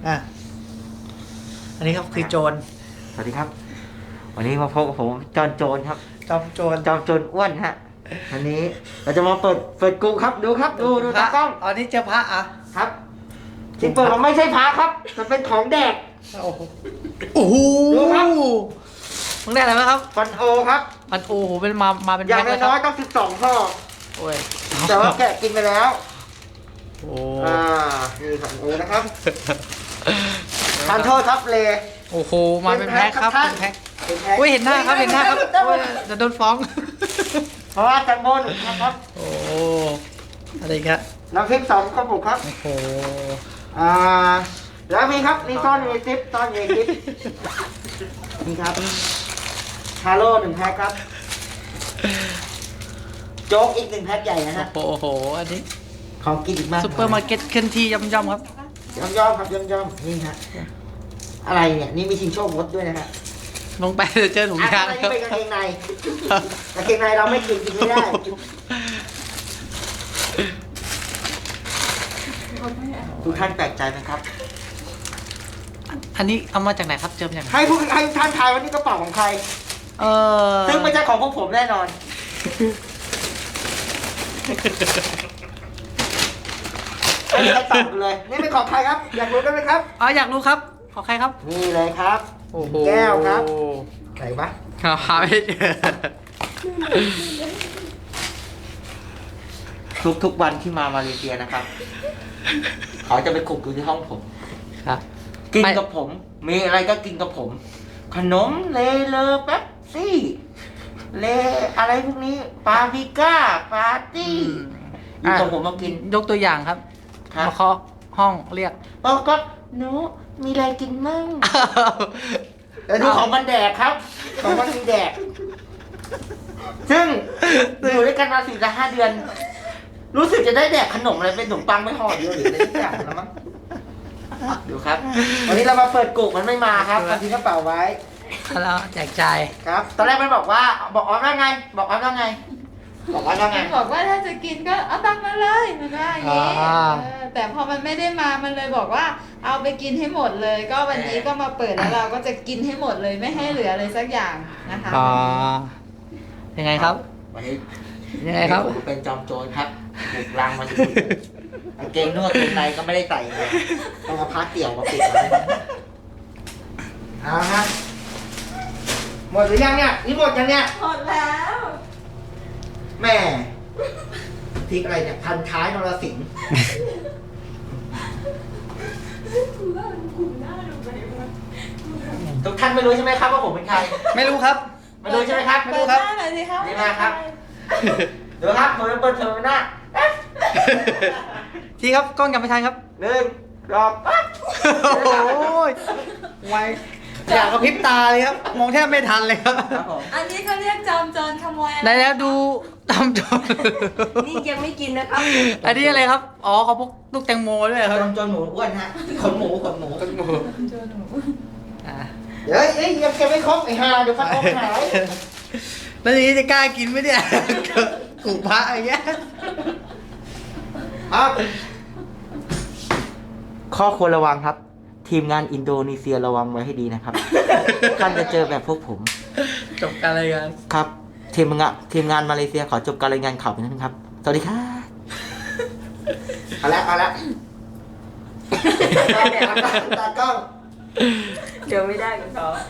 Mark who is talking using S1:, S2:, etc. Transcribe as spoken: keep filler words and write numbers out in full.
S1: อ่ะอันนี้ครับคือโจร
S2: สวัสดีครับ วันนี้มาพบกับผมจอนโจรครับ
S1: จอมโจร
S2: จอมโจรอ้วนฮะวันนี้เราจะมาเปิดเปิดกูครับดูครับดูดูตากล้อง
S1: อันนี้เจอพระอ่ะ
S2: ครับที่เปิดมันไม่ใช่พระครับมันเป็นของแดก
S1: โอ้โหโอ้โห
S2: ดูครับ
S1: มึงได้อะไรไหมครับ
S2: ฟันโอครับ
S1: มันโอ้โหเป็นมามาเป็น
S2: อย่าง
S1: แพ็คเลยค
S2: น้อย
S1: รับ
S2: ๆต้องสิบสองห่อ
S1: โอ้ย
S2: แต่ว่าแกะกินไปแล้ว
S1: โอ้
S2: อ่านี่ฟันโอนะครับทานโทษครับเล
S1: โอ้โหมาเป็นแพ็คครับ
S2: เป็น
S1: เป็น
S2: แพ็
S1: แพ็
S2: ค
S1: ค
S2: เป็นแพ็ค
S1: อุ้ยเห็นหน้าครับเห็นหน้าครับ
S2: ได้หม
S1: โอ้
S2: ด
S1: ยจะโดนฟ้อง
S2: เพราะว่าแตงโมหนึ่งนะครับ
S1: โอ้อะไรครับ
S2: น้ำพริกสองกระปุกครับ
S1: โอ้โห
S2: อ่าแล้วมีครับมีซ่อนอยู่ในซิปซ่อนอยู่ในซิปนี่ครับฮาโร่หนึ่งแพ็คครับโจ๊กอีกหนึ่งแพ็คใหญ่นะฮะ
S1: โอ้โหอันนี้
S2: ของกินอีกมาก
S1: ซุปเปอร์มาร์เก็ตเคลื่อนที่ย่อมๆครับ
S2: ย่อมย่อมๆครับย่อมย่อมๆนี่ฮะอะไรเนี่ยนี่มีชิงโชครถด้วยนะฮะ
S1: ลงไปจะเจอถุง
S2: อ่ะ
S1: ยาง
S2: อัน
S1: ค
S2: นี้
S1: รับ
S2: เป็นกางเกงในกางเกงในเราไม่กินกินไม่ได้ทุกท่านแปลกใจไหมครับ
S1: อันนี้เอามาจากไหนครับเจอมาจากไหน
S2: ให้ผู้ให้ท่านทายว่านี่กระเป๋าของใคร
S1: เออ
S2: ซึ่งไม่ใช่ของพวกผมแน่นอน ไม่มีใครตอบกันเลย นี่เป็นของใครครับ อยากรู้กันไหมครับ
S1: อ๋ออยากรู้ครับขอใครครับ
S2: นี่เลยครับ
S1: โอ้โห
S2: แก้วครับไหนวะ
S1: หาไม่เจอ
S2: ทุกทุกวันที่มามาเลเซียนะครับ เขาจะไปขุกอยู่ที่ห้องผม
S1: ครับ
S2: กิน
S1: ไม่
S2: กับผม มีอะไรก็กินกับผม ขนมเลเลอแป๊บซี่ เลอะไรพวกนี้ ปาปริก้า ปาร์ตี้อยู่กับผมมากิน
S1: ยกตัวอย่างครับ
S2: ครับ
S1: มาเคาะห้องเรียก
S2: บอกก็หนูมีอะไรกินมั่งแต่ดูของมันแดกครับ ของมันมีแดก ซึ่งอยู่ด้วยกันมาสี่จะห้าเดือน รู้สึกจะได้แดกขนมอะไรเป็นขนมปังไม่ห่อเดียวหรืออะไรสักอย่างแล้วมั้งดูครับ วันนี้เรามาเปิดกุกมันไม่มาครับมันทิ้งกระเป๋าไว้
S1: แล้วแจกจ่าย
S2: ครับ ตอนแรกมันบอกว่า บอกออฟว่าไง บอกออฟว่าไง บอกออฟว่าไง
S3: มันบอกว่าถ้าจะกินก็เอาตังค์มาเลยมันว่าอย่างนี้
S1: อ่า
S3: เออแต่พอมันไม่ได้มามันเลยบอกว่าเอาไปกินให้หมดเลย ก็วันนี้ก็มาเปิดแล้วเราก็จะกินให้หมดเลยไม่ให้เหลือเลยสักอย่างนะคะ
S1: อ๋อยังไงครับ
S2: วันนี้
S1: ยังไงครับ
S2: ผมเป็นจอมโจรครับบุกรังมาถึงกางเกงนวดกางเกงในก็ไม่ได้ใส่เลยต้องเอาผ้าเตี่ยวมาปิดไว้เอาละครับหมดหรือยังเนี่ยนี่หมดยังเนี่ย
S3: หมดแล้ว
S2: แม่พริกอะไรเนี่ยพันท้ายนรสิงห์ทุกท่านไม่รู้ใช่ไหมครับว่าผมเป็นใคร
S1: ไม่รู้ครับ
S2: ไม่รู้ใช่ไหมครับ
S1: ไม่
S3: เปิ
S1: รู้
S3: ด
S1: ครับ
S3: หน้าหน่อยสิครับ
S2: นี่มาครับ เดี๋ยวครับผมจะเปิดเทอมหน้า
S1: ทีครับกล้องยังไม่ทันครับ
S2: หนึ่งรอบปั๊บ
S1: โอ้ยไวอยากกระพริบตาเลยครับ มองแทบไม่ทันเลยครับ
S2: ครับผม
S3: อันนี้เขาเรียกจอมโจรขโมยอะไร
S1: ได้แล้วดูตามจน
S4: นี่ยังไม่กินนะครับ
S1: อันนี้อะไรครับ อ๋อเขาพกลูกแตงโมด้วยครับ
S2: จนจนหมูอ้วนฮะขนหมูขนหมู
S3: โจรหนู
S1: อ่า
S2: เดี๋ยวเอ้ยยังเก็บไม่ครบไอ้ห่าเดี๋ยวฟันออกหาย
S1: แล้วทีนี้จะกล้ากินไหมเนี่ยกูพระอย่างเงี้ย
S2: ครับข้อควรระวังครับ ทีมงานอินโดนีเซียระวังไว้ให้ดีนะครับ ท่านจะเจอแบบพวกผม
S1: จบการรายงาน
S2: ครับ ทีมงานทีมงานมาเลเซียขอจบการรายงานข่าวไปนั้นครับ สวัสดีครับเอาละเอาละตากล้องตากล้อง
S4: เดี๋ยวไม่ได้กับเขา